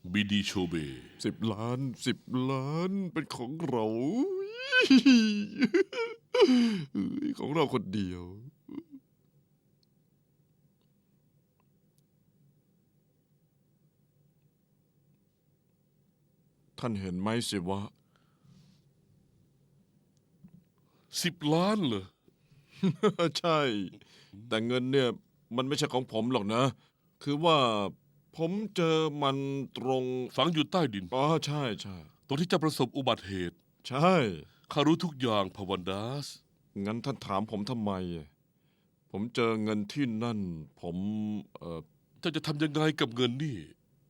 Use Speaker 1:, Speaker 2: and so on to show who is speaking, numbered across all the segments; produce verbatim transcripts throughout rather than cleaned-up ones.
Speaker 1: บีดีโชเบ
Speaker 2: สิบล้านสิบล้านเป็นของเรา ของเราคนเดียว ท่านเห็นไหมสิวะ
Speaker 1: สิบล้านเหรอ
Speaker 2: ใช่ แต่เงินเนี่ยมันไม่ใช่ของผมหรอกนะ คือว่าผมเจอมันตรง
Speaker 1: ฝังอยู่ใต้ดิน
Speaker 2: อ๋อใช่ใช่
Speaker 1: ตรงที่เจะประสบอุบัติเหตุ
Speaker 2: ใช่
Speaker 1: ข้ารู้ทุกอย่างพาวันดัส
Speaker 2: งั้นท่านถามผมทำไม ผมเจอเงินที่นั่น ผมเออ
Speaker 1: เจ้าจะทำยังไงกับเงินนี่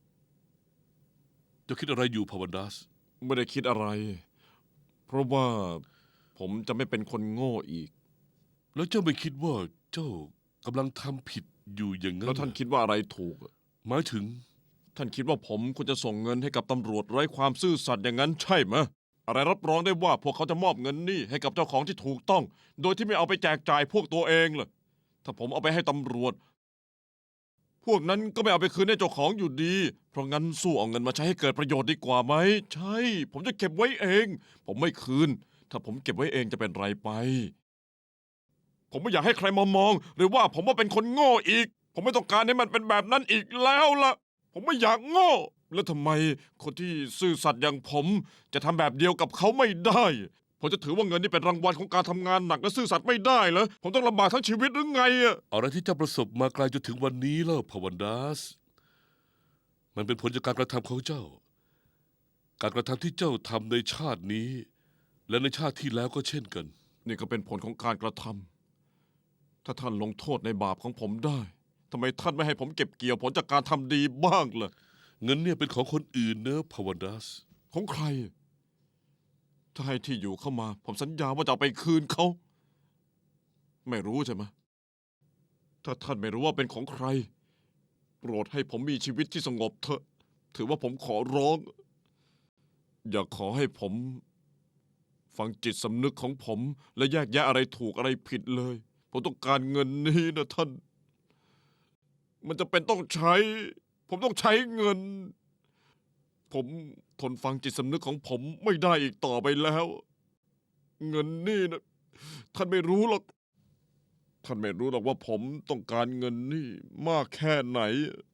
Speaker 1: เจ้าคิดอะไรอยู่พาวันดัส
Speaker 2: ไม่ได้คิดอะไร เพราะว่าผมจะไม่เป็นคนโง่อีก
Speaker 1: แล้วเจ้าไม่คิดว่าเจ้ากำลังทำผิดอยู่อย่างนั้น
Speaker 2: แล้วท่านคิดว่าอะไรถูก
Speaker 1: หมายถึง
Speaker 2: ท่านคิดว่าผมควรจะส่งเงินให้กับตำรวจไร้ความซื่อสัตย์อย่างนั้นใช่ไหมอะไรรับรองได้ว่าพวกเขาจะมอบเงินนี่ให้กับเจ้าของที่ถูกต้อง โดยที่ไม่เอาไปแจกจ่ายพวกตัวเองล่ะถ้าผมเอาไปให้ตำรวจ พวกนั้นก็ไม่เอาไปคืนให้เจ้าของอยู่ดี เพราะงั้นสู้เอาเงินมาใช้ให้เกิดประโยชน์ดีกว่าไหมใช่ ผมจะเก็บไว้เอง ผมไม่คืน ถ้าผมเก็บไว้เองจะเป็นไรไป ผมไม่อยากให้ใครมามอง หรือว่าผมว่าเป็นคนโง่อีก ผมไม่ต้องการให้มันเป็นแบบนั้นอีกแล้วล่ะ ผมไม่อยากโง่ แล้วทำไมคนที่ซื่อสัตย์อย่างผมจะทำแบบเดียวกับเขาไม่ได้ ผมจะถือว่าเงินนี่เป็นรางวัลของการทำงานหนักและซื่อสัตย์ไม่ได้เหรอ ผมต้องลำบากทั้งชีวิตหรือไงอะ
Speaker 1: อะไรที่เจ้าประสบมาไกลจนถึงวันนี้แล้วพาวันดัส มันเป็นผลจากการกระทำของเจ้า การกระทำที่เจ้าทำในชาตินี้ และในชาติที่แล้วก็เช่นกัน
Speaker 2: นี่ก็เป็นผลของการกระทำ ถ้าท่านลงโทษในบาปของผมได้ทำไมท่านไม่ให้ผมเก็บเกี่ยวผลจากการทำดีบ้างล่ะ
Speaker 1: เงินเนี่ยเป็นของคนอื่นเนอะพาวันดัส
Speaker 2: ของใคร ถ้าให้ที่อยู่เข้ามา ผมสัญญาว่าจะเอาไปคืนเขา ไม่รู้ใช่ไหมถ้าท่านไม่รู้ว่าเป็นของใคร โปรดให้ผมมีชีวิตที่สงบเถอะ ถือว่าผมขอร้อง อย่าขอให้ผม ฟังจิตสำนึกของผม และแยกแยะอะไรถูกอะไรผิดเลย ผมต้องการเงินนี้นะท่าน มันจะเป็นต้องใช้ ผมต้องใช้เงิน ผมทนฟังจิตสำนึกของผมไม่ได้อีกต่อไปแล้ว เงินนี่นะท่านไม่รู้หรอก ท่านไม่รู้หรอกว่าผมต้องการเงินนี่มากแค่ไหน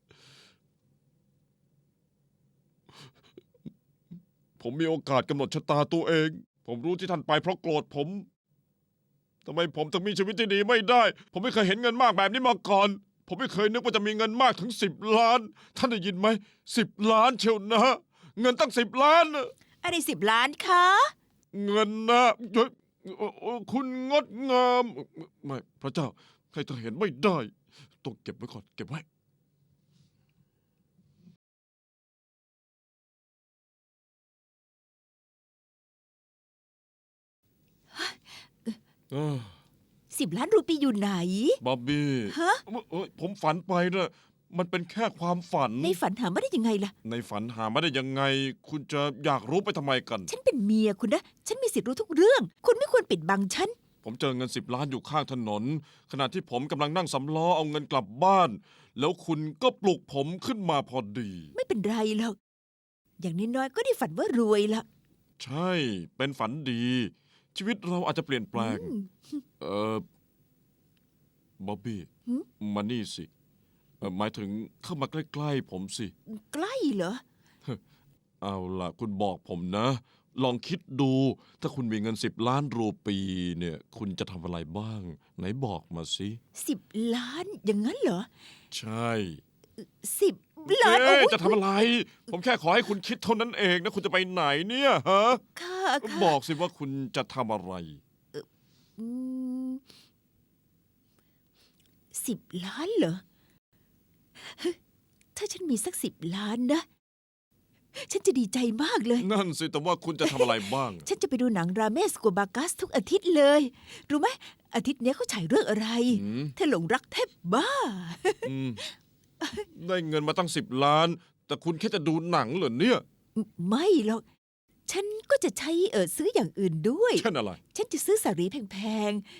Speaker 2: ผมมีโอกาสกำหนดชะตาตัวเอง ผมรู้ที่ท่านไปเพราะโกรธผมทำไมผมถึงมีชีวิตที่ดีไม่ได้ ผมไม่เคยเห็นเงินมากแบบนี้มาก่อน ผมไม่เคยนึกว่าจะมีเงินมากถึงสิบล้าน ท่านได้ยินไหมสิบล้านเชียวนะ เงินตั้งสิบล้านน่ะ
Speaker 3: อะไรสิบล้านคะ
Speaker 2: เงินนะเฮ้ยเอ่อเอ่อคุณงดงามไม่พระเจ้าใครจะเห็นไม่ได้ ต้องเก็บไว้ก่อน เก็บไว้ เอ้อ
Speaker 3: สิบล้านรูปีอยู่ไหน
Speaker 2: บ๊อบบี้
Speaker 3: ฮะ
Speaker 2: เอ้ยผมฝันไปนะมันเป็นแค่ความฝัน
Speaker 3: ในฝันหามาได้ยังไงล่ะ
Speaker 2: ในฝันหาไม่ได้ยังไง คุณจะอยากรู้ไปทำไมกัน
Speaker 3: ฉันเป็นเมียคุณนะ ฉันมีสิทธิ์รู้ทุกเรื่อง คุณไม่ควรปิดบังฉัน
Speaker 2: ผมเจอเงินสิบล้านอยู่ข้างถนน ขณะที่ผมกำลังนั่งสำล้อเอาเงินกลับบ้าน แล้วคุณก็ปลุกผมขึ้นมาพอดี
Speaker 3: ไม่เป็นไรหรอก อย่างน้อยๆก็ได้ฝันว่ารวยละ
Speaker 2: ใช่ เป็นฝันดี ชีวิตเราอาจจะเปลี่ยนแปลง
Speaker 3: อืม
Speaker 2: เออบ๊อบบี้
Speaker 3: หืม
Speaker 2: มานี่สิเอ่อหมายถึงเข้ามาใกล้ๆผมสิ
Speaker 3: ใกล้เหรอ
Speaker 2: เอาล่ะ คุณบอกผมนะ ลองคิดดู ถ้าคุณมีเงินสิบล้านรูปีเนี่ย คุณจะทำอะไรบ้าง ไหนบอกมาสิ
Speaker 3: สิบล้าน อย่างนั้นเหรอ
Speaker 2: ใช่
Speaker 3: สิบล้าน
Speaker 2: เอ๊ะ
Speaker 3: โอ้ย
Speaker 2: จะทำอะไร ผมแค่ขอให้คุณคิดเท่านั้นเองนะ คุณจะไปไหนเนี่ยฮะ
Speaker 3: ค่ะค่ะ
Speaker 2: บอกสิว่าคุณจะทำอะไร
Speaker 3: อืมสิบล้านเหรอ ถ้าฉันมีสักสิบล้านนะ ฉันจะดีใจมากเลย
Speaker 2: นั่นสิ แต่ว่าคุณจะทำอะไรบ้าง
Speaker 3: ฉันจะไปดูหนังราเมสโกบากัสทุกอาทิตย์เลย รู้ไหมอาทิตย์เนี้ยเขาฉายเรื่องอะไร
Speaker 2: อืม
Speaker 3: เธอหลงรักแทบบ้า
Speaker 2: อืมได้เงินมาตั้งสิบล้าน แต่คุณแค่จะดูหนังเหรอเนี่ย
Speaker 3: ไม่หรอก ฉันก็จะใช้เออซื้ออย่างอื่นด้วย
Speaker 2: เช่นอะไร
Speaker 3: ฉันจะซื้อสารีแพงๆ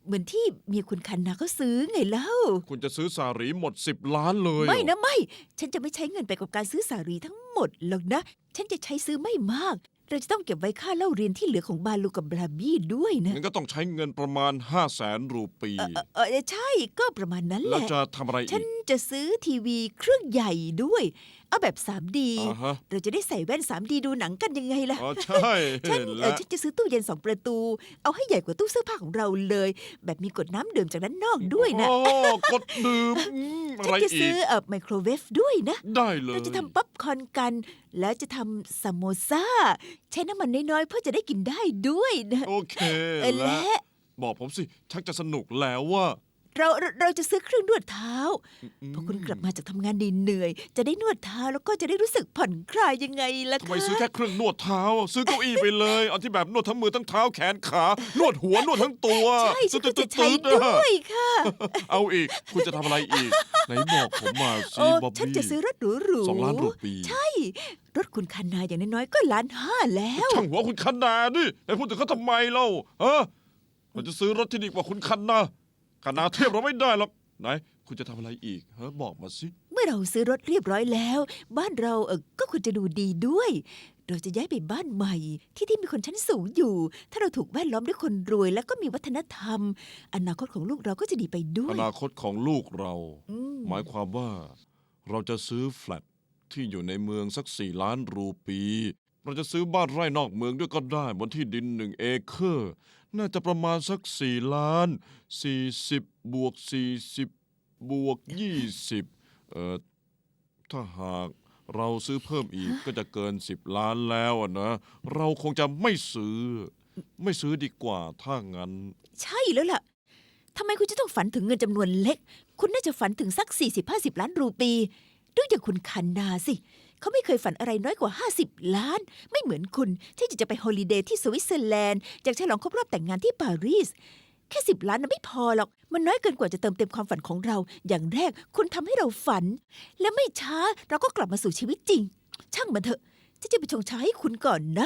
Speaker 3: เหมือนที่เมียคุณคันนาเขาซื้อไงเล่า
Speaker 2: คุณจะซื้อสาหรีหมดสิบล้านเลยเหรอ
Speaker 3: ไม่นะไม่ ฉันจะไม่ใช้เงินไปกับการซื้อสารีทั้งหมดหรอกนะ ฉันจะใช้ซื้อไม่มาก เราจะต้องเก็บไว้ค่าเล่าเรียนที่เหลือของบาลูกับบราบี้ด้วยนะ
Speaker 2: งั้นก็ต้องใช้เงินประมาณห้าแสนรูปี
Speaker 3: เออเออเออใช่ก็ประมาณนั้นแห
Speaker 2: แล้ว
Speaker 3: ละ
Speaker 2: จะทำอะไร
Speaker 3: ฉั
Speaker 2: อี
Speaker 3: น
Speaker 2: ก
Speaker 3: จะซื้อทีวีเครื่องใหญ่ด้วย เอาแบบ ทรี ดี
Speaker 2: อ่าฮะ
Speaker 3: เราจะได้ใส่แว่น ทรี ดี ดูหนังกันยังไงล่ะ
Speaker 2: อ๋อใช่
Speaker 3: ฉันเอ
Speaker 2: และ
Speaker 3: อฉันจะซื้อตู้เย็นสองประตู เอาให้ใหญ่กว่าตู้เสื้อผ้าของเราเลย แบบมีกดน้ำดื่มจากด้านนอกด้วยนะ
Speaker 2: โอ้กดดื่มอืมอะ
Speaker 3: ฉัน
Speaker 2: ไร
Speaker 3: จะ
Speaker 2: อี
Speaker 3: ซื้อก เอ่อไมโครเวฟด้วยนะ
Speaker 2: ได้เลย
Speaker 3: เราจะทำป๊อปคอร์นกัน แล้วจะทำซามโมซาใช้น้ำมันน้อยๆ เพื่อจะได้กินได้ด้วยนะ
Speaker 2: โอเค
Speaker 3: เออ
Speaker 2: และ
Speaker 3: และ
Speaker 2: บอกผมสิ ชักจะสนุกแล้วว่า
Speaker 3: เราเราเราจะซื้อเครื่องนวดเท้า พอคุณกลับมาจากทำงานเหนื่อยๆจะได้นวดเท้าแล้วก็จะได้รู้สึกผ่อนคลายยังไงล่ะ
Speaker 2: ทำไม
Speaker 3: คะ
Speaker 2: ซื้อแค่เครื่องนวดเท้า ซื้อเก้าอี้ไปเลย เอาที่แบบนวดทั้งมือทั้งเท้าแขนขา นวดหัวนวดทั้งตัว
Speaker 3: ใช่ฉันก็จะใช้
Speaker 2: ตึ๊ดๆๆๆ
Speaker 3: ด้วยค่ะ
Speaker 2: เอาอีก คุณจะทำอะไรอีก ไหนบอกผมมาสิ
Speaker 3: โอ้
Speaker 2: บ๊อบ
Speaker 3: ฉัน
Speaker 2: บี้
Speaker 3: จะซื้อรถหรูๆ
Speaker 2: สองล้านรูปี
Speaker 3: ใช่ รถคุณคันนาอย่างน้อยๆก็ล้านห้าแล้ว
Speaker 2: ช่างหัวคุณคันนาดิไปพูดถึงเขาทำไมเล่าฮะเราจะซื้อรถที่ดีกว่าคุณคันนาคันนาเทียบเราไม่ได้หรอกไหน คุณจะทำอะไรอีกฮะบอกมาสิ
Speaker 3: เมื่อเราซื้อรถเรียบร้อยแล้ว บ้านเราเออก็ควรจะดูดีด้วย เราจะย้ายไปบ้านใหม่ ที่ที่มีคนชั้นสูงอยู่ ถ้าเราถูกแวดล้อมด้วยคนรวย แล้วก็มีวัฒนธรรม อนาคตของลูกเราก็จะดีไปด้ว
Speaker 2: อย นาคตของลูกเรา
Speaker 3: อืม
Speaker 2: หมายความว่าเราจะซื้อแฟลตที่อยู่ในเมืองสักสี่ล้านรูปี เราจะซื้อบ้านไร่นอกเมืองด้วยก็ได้บนที่ดินหนึ่งเอเคอร์ น่าจะประมาณสักสี่ล้านสี่สิบบวกสี่สิบบวกยี่สิบเอ่อถ้าหากเราซื้อเพิ่มอีกก็จะเกินสิบล้านแล้วอะนะ เราคงจะไม่ซื้อ ไม่ซื้อดีกว่าถ้างั้น
Speaker 3: ใช่แล้วล่ะทำไมคุณจะต้องฝันถึงเงินจำนวนเล็ก คุณน่าจะฝันถึงสัก สี่สิบห้าสิบ ล้านรูปีดูอย่างคุณคันนาสิ เขาไม่เคยฝันอะไรน้อยกว่า ห้าสิบ ล้าน ไม่เหมือนคุณที่จะไปฮอลิเดย์ที่สวิตเซอร์แลนด์อยากฉลองครบรอบแต่งงานที่ปารีส แค่สิบล้านน่ะไม่พอหรอก มันน้อยเกินกว่าจะเติมเต็มความฝันของเรา อย่างแรกคุณทำให้เราฝัน และไม่ช้าเราก็กลับมาสู่ชีวิตจริง ช่างมันเถอะฉันจะไปชงชาให้คุณก่อนนะ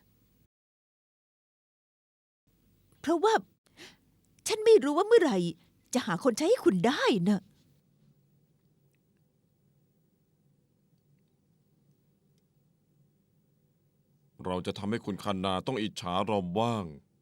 Speaker 3: เพราะว่า ฉันไม่รู้ว่าเมื่อไหร่ จะหาคนใช้ให้คุณได้นะ
Speaker 2: เราจะทำให้คุณคันนาต้องอิจฉาเราบ้าง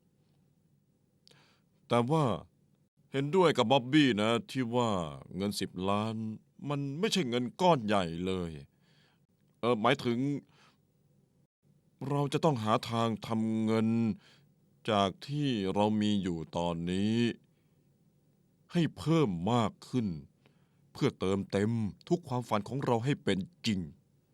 Speaker 2: แต่ว่าเห็นด้วยกับบ๊อบบี้นะที่ว่าเงินสิบล้าน มันไม่ใช่เงินก้อนใหญ่เลย เออหมายถึง เราจะต้องหาทางทำเงินจากที่เรามีอยู่ตอนนี้ ให้เพิ่มมากขึ้น เพื่อเติมเต็มทุกความฝันของเราให้เป็นจริง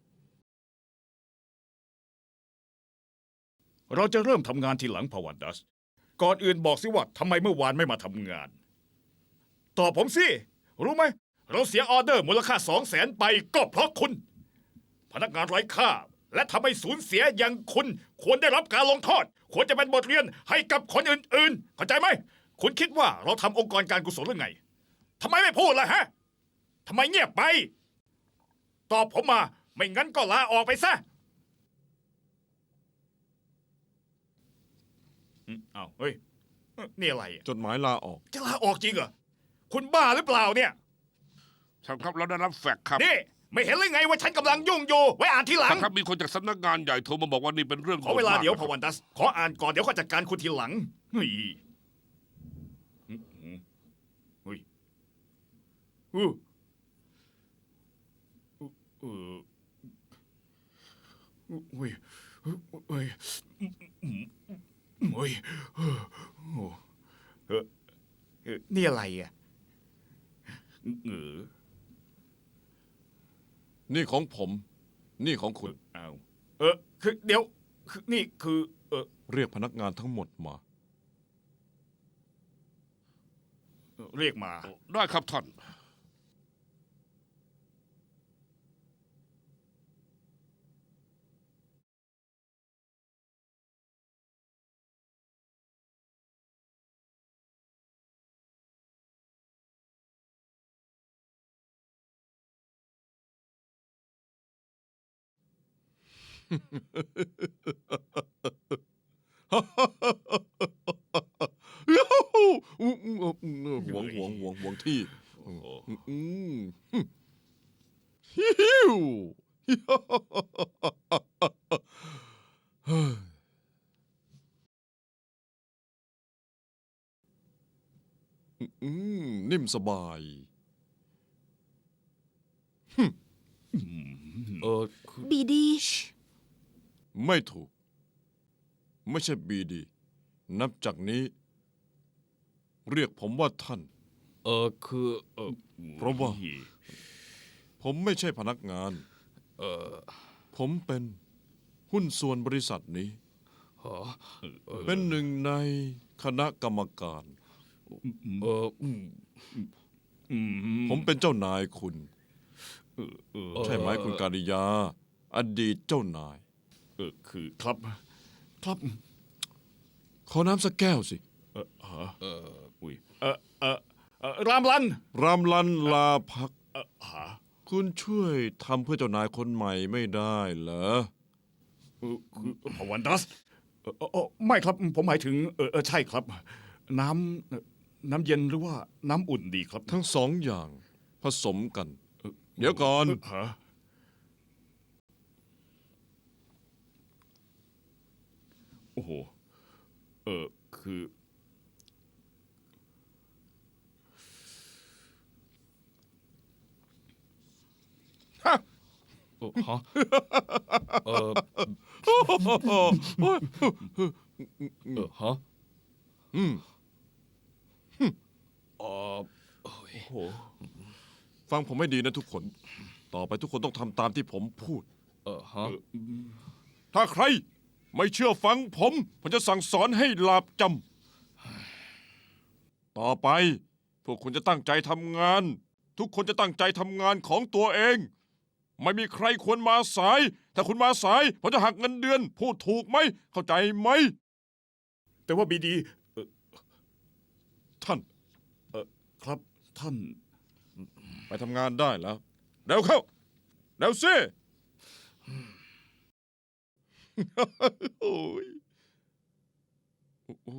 Speaker 4: เราจะเริ่มทำงานทีหลังพาวันดัส ก่อนอื่นบอกสิว่าทำไมเมื่อวานไม่มาทำงาน ตอบผมสิ รู้ไหม เราเสียออเดอร์มูลค่าสองแสนไปก็เพราะคุณ พนักงานไร้ค่า และทำให้สูญเสียอย่างคุณ ควรได้รับการลงโทษ ควรจะเป็นบทเรียนให้กับคนอื่นๆ เข้าใจไหม คุณคิดว่าเราทำองค์กรการกุศลหรือไงทำไมไม่พูดล่ะฮะทำไมเงียบไป ตอบผมมา ไม่งั้นก็ลาออกไปซะ อืมอ้าวเฮ้ยเอ้อนี่อะไรอะ
Speaker 2: จดหมายลาออก
Speaker 4: จะลาออกจริงเหรอ คุณบ้าหรือเปล่าเนี่ย
Speaker 1: ท่านครับเราได้รับแฟกซ์ครับ
Speaker 4: นี่ ไม่เห็นเลยไงว่าฉันกำลังยุ่งอยู่ ไว้อ่านทีหลัง
Speaker 1: ท่านครับมีคนจากสำนักงานใหญ่โทรมาบอกว่านี่เป็นเรื่อง
Speaker 4: ขอเวลา
Speaker 1: โหมก
Speaker 4: เดี๋ยว
Speaker 1: นะ
Speaker 4: พ
Speaker 1: ครับ
Speaker 4: วันดัส ขออ่านก่อนเดี๋ยวก็จัดการคุณทีหลังเฮ้ยอืมอืมเฮ้ยอู้อู้เอออู้เฮ้ยเฮ้ยอืมอืมเฮ้ยเออโอ้เออเออนี่อะไรอ่ะเออ
Speaker 2: นี่ของผม นี่ของคุณ
Speaker 4: เอาเออคือเดี๋ยวคือนี่คือเออ
Speaker 2: เรียกพนักงานทั้งหมดมา
Speaker 4: เรียกมา
Speaker 1: ได้ครับท่าน
Speaker 2: ยูฮูอู้อู้อหวงหวงหวงหวงที่
Speaker 4: โอ้โห
Speaker 2: อืมฮิวเฮ้ยอืมนิ่มสบาย
Speaker 5: เออคือ
Speaker 3: บีดี
Speaker 2: ไม่ถูก ไม่ใช่บีดี นับจากนี้ เรียกผมว่าท่าน
Speaker 5: เออคือเออ
Speaker 2: เพราะว่า ผมไม่ใช่พนักงาน
Speaker 5: เออ
Speaker 2: ผมเป็นหุ้นส่วนบริษัทนี้
Speaker 5: ฮะ
Speaker 2: เป็นหนึ่งในคณะกรรมการ
Speaker 5: เอออืม
Speaker 4: อืม
Speaker 2: ผมเป็นเจ้านายคุณ
Speaker 4: เออเออ
Speaker 2: ใช่ไหมคุณการิยา อดีตเจ้านาย
Speaker 4: เออคือครับ ครับ
Speaker 2: ขอน้ำสักแก้วสิ
Speaker 4: เออฮะเอออุ้ยเออเออเออรามลัน
Speaker 2: รามลันลาพัก
Speaker 4: เออฮะ
Speaker 2: คุณช่วยทำเพื่อเจ้านายคนใหม่ไม่ได้เหรอ
Speaker 4: เออคือพวันดัสเออเออเออไม่ครับ ผมหมายถึงเออเออใช่ครับ น้ำเอ่อน้ำเย็นหรือว่าน้ำอุ่นดีครับ
Speaker 2: ทั้งสองอย่างผสมกัน เดี๋ยวก่อน
Speaker 4: เออฮะโอ้โหเออคือ
Speaker 5: เออฮะเออเออฮะ
Speaker 2: อืม
Speaker 5: เออโอ้ย
Speaker 4: โอ้โห
Speaker 2: ฟังผมให้ดีนะทุกคน ต่อไปทุกคนต้องทำตามที่ผมพูด
Speaker 5: เออฮะ
Speaker 2: ถ้าใครไม่เชื่อฟังผม ผมจะสั่งสอนให้หลาบจำ ต่อไป พวกคุณจะตั้งใจทำงาน ทุกคนจะตั้งใจทำงานของตัวเอง ไม่มีใครควรมาสาย ถ้าคุณมาสาย ผมจะหักเงินเดือน พูดถูกไหม เข้าใจไหม
Speaker 4: แต่ว่าบีดี
Speaker 2: ท่าน
Speaker 4: ครับท่าน
Speaker 2: ไปทำงานได้แล้ว เร็วเข้า เร็วสิโอ้ยโอ้โห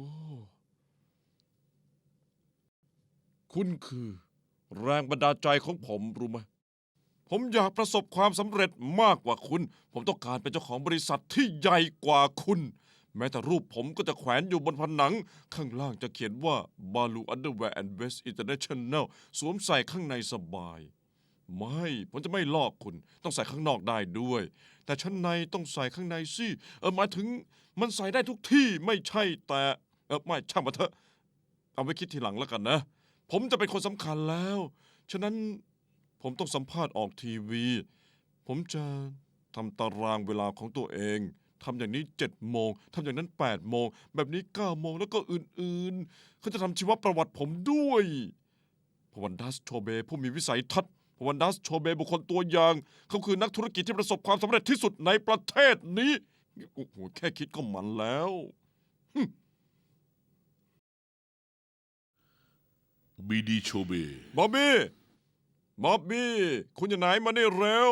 Speaker 2: คุณคือ แรงบันดาลใจของผมรู้ไหม ผมอยากประสบความสำเร็จมากกว่าคุณ ผมต้องการเป็นเจ้าของบริษัทที่ใหญ่กว่าคุณ แม้แต่รูปผมก็จะแขวนอยู่บนผนัง ข้างล่างจะเขียนว่า Balu Underwear and Vest International สวมใส่ข้างในสบาย ไม่ ผมจะไม่ลอกคุณ ต้องใส่ข้างนอกได้ด้วย แต่ชั้นในต้องใส่ข้างในสิ เออหมายถึงมันใส่ได้ทุกที่ไม่ใช่แต่เออไม่ช่างมาเถอะ เอาไว้คิดทีหลังแล้วกันนะ ผมจะเป็นคนสำคัญแล้ว ฉะนั้นผมต้องสัมภาษณ์ออกทีวี ผมจะทำตารางเวลาของตัวเองทำอย่างนี้เจ็ดโมงทำอย่างนั้นแปดโมงแบบนี้เก้าโมงแล้วก็อื่นๆเขาจะทำชีวประวัติผมด้วยพวันดัสโชเบผู้มีวิสัยทัศน์พวันดัสโชเบบุคคลตัวอย่าง เขาคือนักธุรกิจที่ประสบความสำเร็จที่สุดในประเทศนี้โอ้โหแค่คิดก็มันแล้ว
Speaker 1: บีดีโชเบ
Speaker 2: บ๊อบบี้ บ๊อบบี้ คุณอยู่ไหนมานี่เร็ว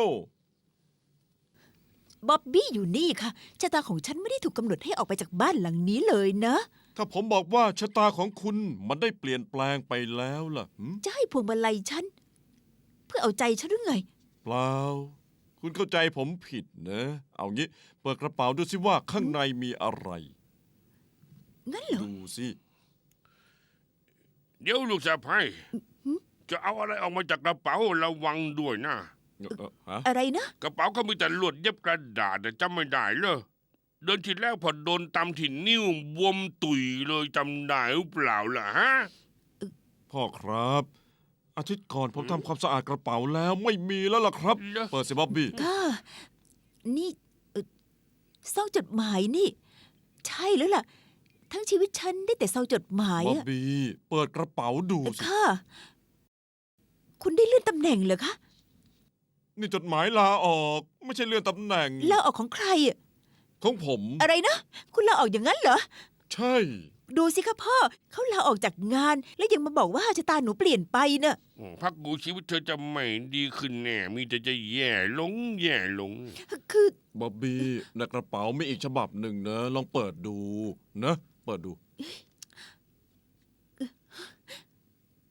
Speaker 3: บ๊อบบี้อยู่นี่ค่ะชะตาของฉันไม่ได้ถูกกำหนดให้ออกไปจากบ้านหลังนี้เลยนะ
Speaker 2: ถ้าผมบอกว่าชะตาของคุณมันได้เปลี่ยนแปลงไปแล้วล่ะหึ
Speaker 3: จะให้พวงมาลัยฉัน เพื่อเอาใจฉันหรือไง
Speaker 2: เปล่า คุณเข้าใจผมผิดนะ เอางี้ เปิดกระเป๋าดูสิว่าข้างในมีอะไร
Speaker 3: งั้นเหรอ
Speaker 2: ดูสิ
Speaker 1: เดี๋ยวลูกสะพ้ายจะเอาอะไรออกมาจากกระเป๋าระวังด้วยนะ
Speaker 2: เอ่อเอ่อฮะ
Speaker 3: อะไรนะ
Speaker 1: กระเป๋าเขามีแต่ลวดเย็บกระดาษแต่จำไม่ได้เลยเดินทีแรกพอโดนตำที่นิ้วบวมตุยเลยจำได้หรือเปล่าล่ะฮะ
Speaker 2: พ่อครับ อาทิตย์ก่อนผมทำความสะอาดกระเป๋าแล้วไม่มีแล้วล่ะครับ
Speaker 1: เหรอ
Speaker 2: เปิดสิบ๊อบบี้
Speaker 3: ค่ะ นี่เอ่อซองจดหมายนี่ ใช่แล้วล่ะ ทั้งชีวิตฉันได้แต่ซองจดหมาย
Speaker 2: บ๊อบ
Speaker 3: อะ
Speaker 2: บี้ เปิดกระเป๋าดูสิ
Speaker 3: ค่ะ คุณได้เลื่อนตำแหน่งเหรอคะ
Speaker 2: นี่จดหมายลาออก ไม่ใช่เลื่อนตำแหน่ง
Speaker 3: ลาออกของใครอะ
Speaker 2: ของผม
Speaker 3: อะไรนะ คุณลาออกอย่างนั้นเหรอ
Speaker 2: ใช่
Speaker 3: ดูสิคะพ่อ เขาลาออกจากงาน แล้วยังมาบอกว่าชะตาหนูเปลี่ยนไปเน่ะ
Speaker 1: อืมพักกูชีวิตเธอจะไม่ดีขึ้นแน่ มีแต่จะแย่ลงแย่ลง
Speaker 3: คือ
Speaker 2: บ๊อบบี้ในกระเป๋ามีอีกฉบับหนึ่งนะ ลองเปิดดูนะ เปิดดู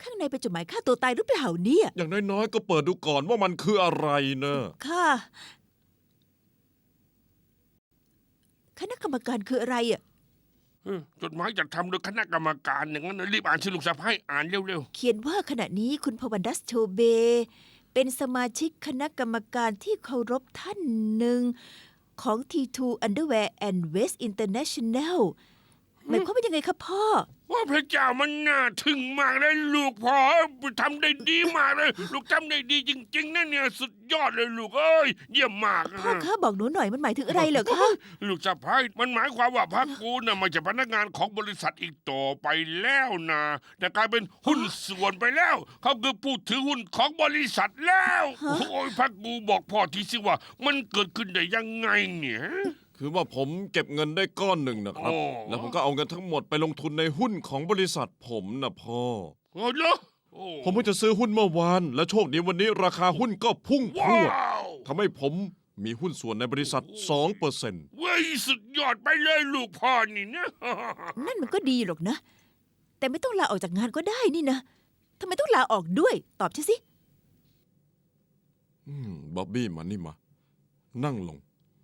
Speaker 3: ข้างในเป็นจดหมายฆ่าตัวตายหรือเปล่าเนี่ย
Speaker 2: อย่างน้อยๆก็เปิดดูก่อนว่ามันคืออะไรเนอะ
Speaker 3: ค่ะ คณะกรรมการคืออะไรอ่ะ
Speaker 1: เออจดหมายจะทำโดยคณะกรรมการอย่างนั้นนะรีบอ่านสิลูกสะพ้ายอ่านเร็ว
Speaker 3: เขียนว่าขณะนี้คุณพวันดัสโชเบ เป็นสมาชิกคณะกรรมการที่เคารพท่านหนึ่งของ ที ทู Underwear and Waist International หมายความว่ายังไงครับพ่อ
Speaker 1: ๆว่าพระเจ้ามันน่าทึ่งมากเลยลูกพ่อทำได้ดีมากเลย ลูกทำได้ดีจริงๆนะเนี่ยสุดยอดเลยลูกเอ้ยเยี่ยมมาก
Speaker 3: พ่อคะบอกหนูหน่อยมันหมายถึงอะไรเหรอคะ
Speaker 1: ลูกสะพ้ายมันหมายความว่าพักกูน่ะไม่ใช่พนักงานของบริษัทอีกต่อไปแล้วนะแต่กลายเป็นหุ้นส่วนไปแล้ว เขาคือผู้ถือหุ้นของบริษัทแล้วโอ้ยพักกูบอกพ่อทีสิว่า มันเกิดขึ้นได้ยังไงเนี่ย
Speaker 2: คือว่าผมเก็บเงินได้ก้อนหนึ่งนะครับ
Speaker 1: โอ้
Speaker 2: แล้วผมก็เอาเงินทั้งหมดไปลงทุนในหุ้นของบริษัทผมนะพ่อ
Speaker 1: โอ้ยเหรอโอ้
Speaker 2: ผมเพิ่งจะซื้อหุ้นเมื่อวาน และโชคดีวันนี้ราคาหุ้นก็พุ่งพร
Speaker 1: ว้าว
Speaker 2: ดทำให้ผมมีหุ้นส่วนในบริษัท สองเปอร์เซ็นต์
Speaker 1: เว้ยสุดยอดไปเลยลูกพ่อนี่นะ
Speaker 3: นั่นมันก็ดีหรอกนะ แต่ไม่ต้องลาออกจากงานก็ได้นี่นะทำไมต้องลาออกด้วย ตอบฉันสิ
Speaker 2: อืมบ๊อบบี้มานี่มา นั่งลง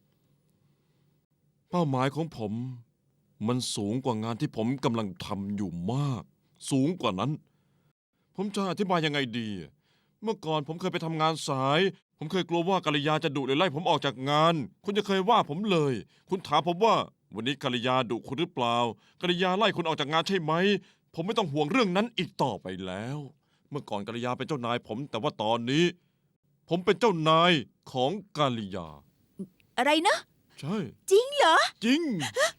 Speaker 2: เป้าหมายของผม มันสูงกว่างานที่ผมกำลังทำอยู่มาก สูงกว่านั้น ผมจะอธิบายยังไงดี เมื่อก่อนผมเคยไปทำงานสาย ผมเคยกลัวว่ากัลยาจะดุหรือไล่ผมออกจากงาน คุณจะเคยว่าผมเลย คุณถามผมว่า วันนี้กัลยาดุคุณหรือเปล่ากัลยาไล่คุณออกจากงานใช่ไหม ผมไม่ต้องห่วงเรื่องนั้นอีกต่อไปแล้ว เมื่อก่อนกัลยาเป็นเจ้านายผม แต่ว่าตอนนี้ ผมเป็นเจ้านายของกัลยา
Speaker 3: อะไรนะ
Speaker 2: ใช่
Speaker 3: จริงเหรอ
Speaker 2: จริง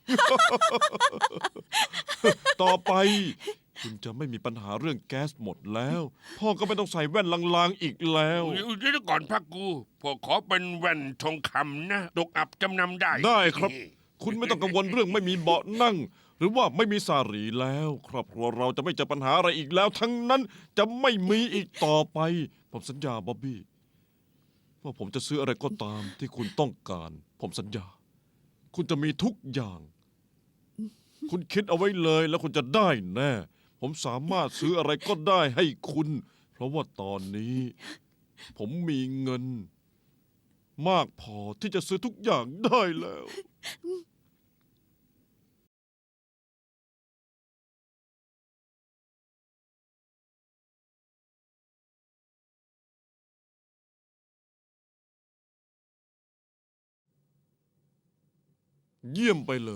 Speaker 2: ต่อไป คุณจะไม่มีปัญหาเรื่องแก๊สหมดแล้ว พ่อก็ไม่ต้องใส่แว่นลางๆอีกแล้ว
Speaker 1: เดี๋ยวก่อนพักกูพ่อขอเป็นแว่นทองคำนะตกอับจำนำได้
Speaker 2: ได้ครับ คุณไม่ต้องกังวลเรื่องไม่มีเบาะนั่ง หรือว่าไม่มีสารีแล้ว ครอบครัวเราจะไม่เจอปัญหาอะไรอีกแล้ว ทั้งนั้นจะไม่มีอีกต่อไป ผมสัญญาบ๊อบบี้ว่าผมจะซื้ออะไรก็ตามที่คุณต้องการ ผมสัญญา คุณจะมีทุกอย่าง คุณคิดเอาไว้เลยแล้วคุณจะได้แน่ ผมสามารถซื้ออะไรก็ได้ให้คุณ เพราะว่าตอนนี้ ผมมีเงิน มากพอที่จะซื้อทุกอย่างได้แล้ว เยี่ยมไปเลย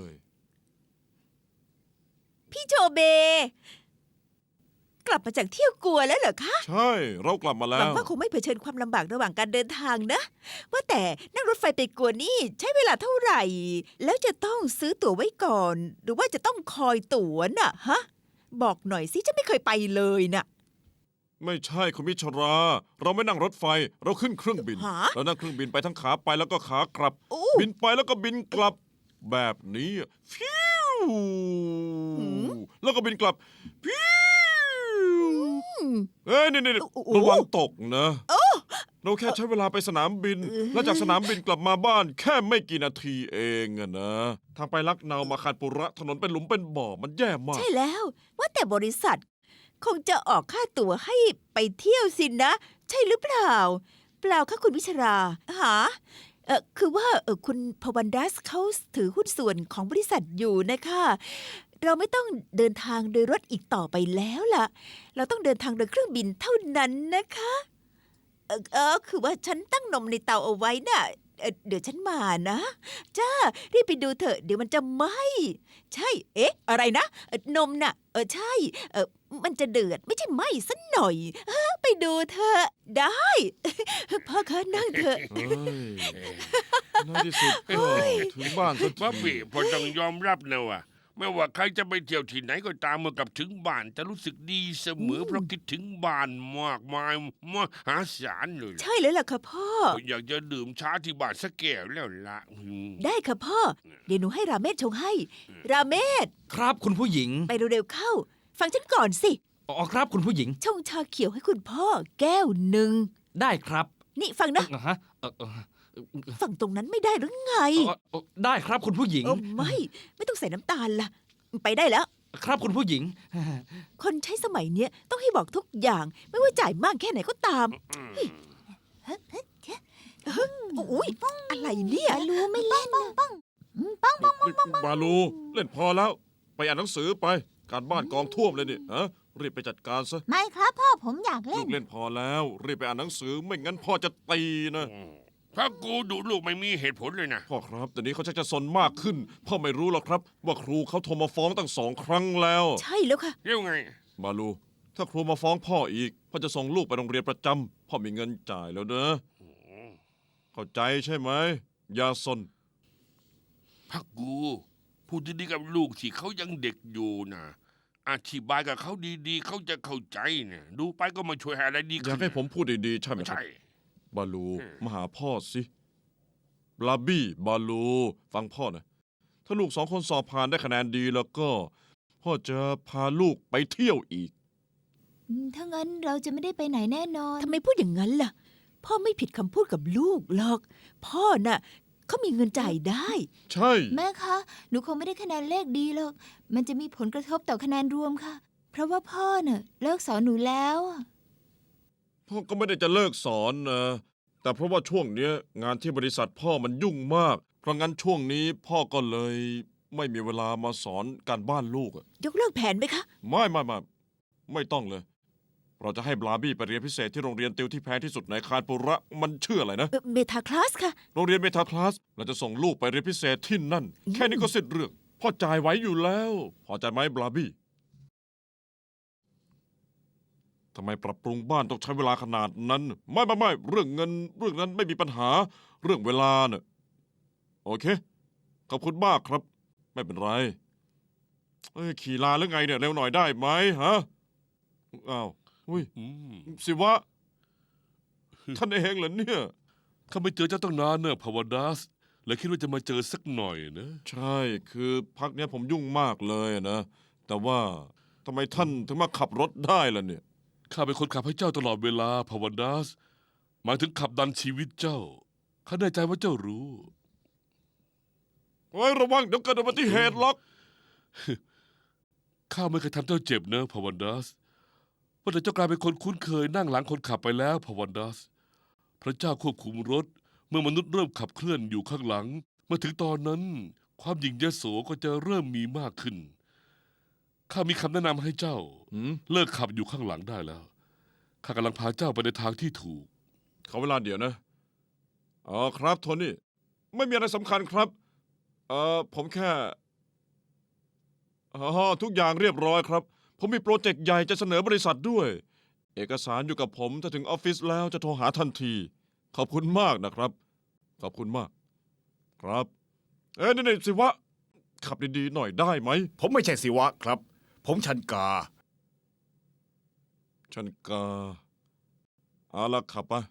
Speaker 3: พี่โชเบ กลับมาจากเที่ยวกัวแล้วเหรอคะ
Speaker 2: ใช่ เรากลับมา
Speaker 3: ห
Speaker 2: แล้
Speaker 3: วัง
Speaker 2: ว
Speaker 3: ว่าคงไม่เผชิญความลำบากระหว่างการเดินทางนะ ว่าแต่นั่งรถไฟไปกัวนี่ใช้เวลาเท่าไหร่ แล้วจะต้องซื้อตั๋วไว้ก่อน หรือว่าจะต้องคอยตั๋วน่ะฮะ บอกหน่อยสิฉันไม่เคยไปเลยน่ะ
Speaker 2: ไม่ใช่คุณมิชรา เราไม่นั่งรถไฟ เราขึ้นเครื่องบิน
Speaker 3: ฮะ
Speaker 2: เรานั่งเครื่องบินไปทั้งขาไปแล้วก็ขากลับ
Speaker 3: โอ้
Speaker 2: บินไปแล้วก็บินกลับ แบบนี้ฟิว
Speaker 3: หืม
Speaker 2: แล้วก็บินกลับฟิว
Speaker 3: อืม
Speaker 2: เอ้ยนี่นี่
Speaker 3: โอ้โห
Speaker 2: ระวังตกนะ เราแค่ใช้เวลาไปสนามบิน
Speaker 3: เออ
Speaker 2: แล้วจากสนามบินกลับมาบ้านแค่ไม่กี่นาทีเองอะนะ ทางไปลักเนามาคานปุระถนนเป็นหลุมเป็นบ่อมันแย่มาก
Speaker 3: ใช่แล้ว ว่าแต่บริษัท คงจะออกค่าตั๋วให้ไปเที่ยวสินะ ใช่หรือเปล่า เปล่าค่ะคุณวิชราหาเออคือว่าเออคุณพวันดัสเขาถือหุ้นส่วนของบริษัทอยู่นะคะ เราไม่ต้องเดินทางโดยรถอีกต่อไปแล้วล่ะ เราต้องเดินทางโดยเครื่องบินเท่านั้นนะคะ เออเออคือว่าฉันตั้งนมในเตาเอาไว้น่ะเอ่อเดี๋ยวฉันมานะ จ้า รีบไปดูเถอะ เดี๋ยวมันจะไหม้ ใช่ เอ๊ะ อะไรนะเอ่อนมน่ะ เออ ใช่ เออมันจะเดือด ไม่ใช่ไหม้สักหน่อยเออไปดูเถอะ ได้ พ่อคะนั่งเถอะ
Speaker 2: เฮ้ยในที่สุดก็ถึงบ้านสัก
Speaker 1: บ๊อบ
Speaker 2: ที
Speaker 1: บี้พอต้องยอมรับนะว่าไม่ว่าใครจะไปเที่ยวที่ไหนก็ตามเมื่อกลับถึงบ้านจะรู้สึกดีเสมอ เพราะคิดถึงบ้านมากมายมหาศาลเลยล่ะ
Speaker 3: ใช่แล้วล่ะค่ะพ่อ
Speaker 1: อยากจะดื่มชาที่บ้านสักแก้วแล้วละอืม
Speaker 3: ได้ค่ะพ่อ เดี๋ยวหนูให้ราเมศชงให้ ราเมศ
Speaker 5: ครับคุณผู้หญิง
Speaker 3: ไปเร็วๆเข้า ฟังฉันก่อนสิ
Speaker 5: อ๋อครับคุณผู้หญิง
Speaker 3: ชงชาเขียวให้คุณพ่อ แก้วหนึ่ง
Speaker 5: ได้ครับ
Speaker 3: นี่ฟังนะ
Speaker 5: เออฮะเออเออ
Speaker 3: ฝั่งตรงนั้นไม่ได้หรือไง
Speaker 5: เออเออได้ครับคุณผู้หญิง
Speaker 3: เออไม่ ไม่ต้องใส่น้ำตาลล่ะ ไปได้แล้ว
Speaker 5: ครับคุณผู้หญิง
Speaker 3: คนใช้สมัยเนี้ยต้องให้บอกทุกอย่าง ไม่ว่าจ่ายมากแค่ไหนก็ตามเฮ้ยอุ้ยอะไรเนี่ย
Speaker 6: รู้ไม่เล่นนะ
Speaker 2: บาลูเล่นพอแล้ว ไปอ่านหนังสือไป การบ้านกองท่วมเลยนี่ฮะรีบไปจัดการซะ
Speaker 6: ไม่ครับพ่อผมอยากเล่
Speaker 2: ลู
Speaker 6: น
Speaker 2: กเล่นพอแล้ว รีบไปอ่านหนังสือไม่งั้นพ่อจะตีนะ
Speaker 7: ถ้ากูดูลูกไม่มีเหตุผลเลยนะ
Speaker 2: พ่อครับแต่นี้เขาชักจะซนมากขึ้น พ่อไม่รู้หรอกครับ ว่าครูเขาโทรมาฟ้องตั้งสองครั้งแล้ว
Speaker 3: ใช่แล้วค่ะ
Speaker 7: เรียกไง
Speaker 2: บาลู ถ้าครูมาฟ้องพ่ออีก พ่อจะส่งลูกไปโรงเรียนประจำพ่อมีเงินจ่ายแล้วเนอะเข้าใจใช่ไหมอย่าซน
Speaker 7: พักกู พูดดีๆกับลูกที่เขายังเด็กอยู่นะอธิบายกับเขาดีๆ เขาจะเข้าใจเนี่ยดูไปก็ไมาช่วยให้อะไรดี
Speaker 2: อ
Speaker 7: ขึ้น
Speaker 2: ยากให้ผมพูดดีๆใช่ไหม
Speaker 7: ไม่
Speaker 2: ครับ
Speaker 7: ใช่
Speaker 2: บาลู
Speaker 7: อืม
Speaker 2: มาหาพ่อสิบลาบี้บาลู ฟังพ่อนะ ถ้าลูกสองคนสอบผ่านได้คะแนนดีแล้วก็ พ่อจะพาลูกไปเที่ยวอีก
Speaker 6: อืมถ้างั้นเราจะไม่ได้ไปไหนแน่นอน
Speaker 3: ทำไมพูดอย่างนั้นล่ะ พ่อไม่ผิดคำพูดกับลูกหรอก พ่อน่ะเขามีเงินจ่ายได้
Speaker 2: ใช่
Speaker 6: แม่คะ หนูคงไม่ได้คะแนนเลขดีหรอก มันจะมีผลกระทบต่อคะแนนรวมค่ะ เพราะว่าพ่อเน่ะเลิกสอนหนูแล้วอะ
Speaker 2: พ่อก็ไม่ได้จะเลิกสอนนะ แต่เพราะว่าช่วงเนี้ย งานที่บริษัทพ่อมันยุ่งมาก เพราะงั้นช่วงนี้พ่อก็เลยไม่มีเวลามาสอนการบ้านลูกอะ
Speaker 3: ยกเลิกแผนไหมคะ
Speaker 2: ไม่ไม่ไม่ไม่ต้องเลย เราจะให้บลาบี้ไปเรียนพิเศษที่โรงเรียนติวที่แพงที่สุดในคานปุระมันชื่ออะไรนะ
Speaker 3: เอ่อเมทาคลาสค่ะ
Speaker 2: โรงเรียนเมทาคลาส เราจะส่งลูกไปเรียนพิเศษที่นั่น แค่นี้ก็เสร็จเรื่อง พ่อจ่ายไว้อยู่แล้ว พอใจไหมบลาบี้ทำไมปรับปรุงบ้านต้องใช้เวลาขนาดนั้น ไม่ไม่ไม่เรื่องเงินเรื่องนั้นไม่มีปัญหา เรื่องเวลาเน่ะโอเค ขอบคุณมากครับ ไม่เป็นไรเอ้ยขี่ลาหรือไงเนี่ยเร็วหน่อยได้ไหมฮะอ้าวอุ้ย
Speaker 1: อืม
Speaker 2: สิวะ ท่านเองเหรอเนี่ย
Speaker 1: ข้าไม่เจอเจ้าตั้งนานเนอะพาวดัสเลยคิดว่าจะมาเจอสักหน่อยนะ
Speaker 2: ใช่ คือพักเนี้ยผมยุ่งมากเลยนะ แต่ว่าทำไมท่านถึงมาขับรถได้ล่ะเนี่ย
Speaker 1: ข้าเป็นคนขับให้เจ้าตลอดเวลาพาวดัสหมายถึงขับดันชีวิตเจ้า ข้าแน่ใจว่าเจ้ารู้
Speaker 2: โอ้ยระวังเดี๋ยวเกิดอุบัติเหตุหรอก
Speaker 1: ข้าไม่เคยทำเจ้าเจ็บเนอะพาวันดัสว่าแต่เจ้ากลายเป็นคนคุ้นเคยนั่งหลังคนขับไปแล้วพาวันดัสพระเจ้าควบคุมรถ เมื่อมนุษย์เริ่มขับเคลื่อนอยู่ข้างหลัง เมื่อถึงตอนนั้น ความหยิ่งยโสก็จะเริ่มมีมากขึ้น ข้ามีคำแนะนำให้เจ้า
Speaker 2: หืม
Speaker 1: เลิกขับอยู่ข้างหลังได้แล้ว ข้ากำลังพาเจ้าไปในทางที่ถูก
Speaker 2: ขอเวลาเดี๋ยวนะ อ๋อครับโทนี่ ไม่มีอะไรสำคัญครับ เอ่อผมแค่อ๋อทุกอย่างเรียบร้อยครับ ผมมีโปรเจกต์ใหญ่จะเสนอบริษัทด้วย เอกสารอยู่กับผมถ้าถึงออฟฟิศแล้วจะโทรหาทันที ขอบคุณมากนะครับ ขอบคุณมาก ครับ เอ้ยนี่ๆสิวะ ขับดีๆหน่อยได้ไหม
Speaker 4: ผมไม่ใช่ศิวะครับ ผมชันกา
Speaker 2: ฉันกาเอาละขับไป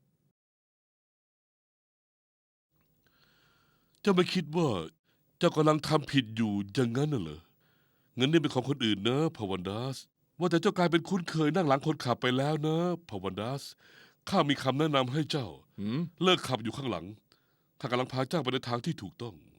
Speaker 1: เจ้าไม่คิดว่า เจ้ากำลังทำผิดอยู่อย่างนั้นน่ะเหรอ เงินนี่เป็นของคนอื่นนะพาวันดัสว่าแต่เจ้ากลายเป็นคุ้นเคยนั่งหลังคนขับไปแล้วนะพาวันดัสข้ามีคำแนะนำให้เจ้า
Speaker 2: หืม
Speaker 1: เลิกขับอยู่ข้างหลัง ข้ากำลังพาเจ้าไปในทางที่ถูกต้อง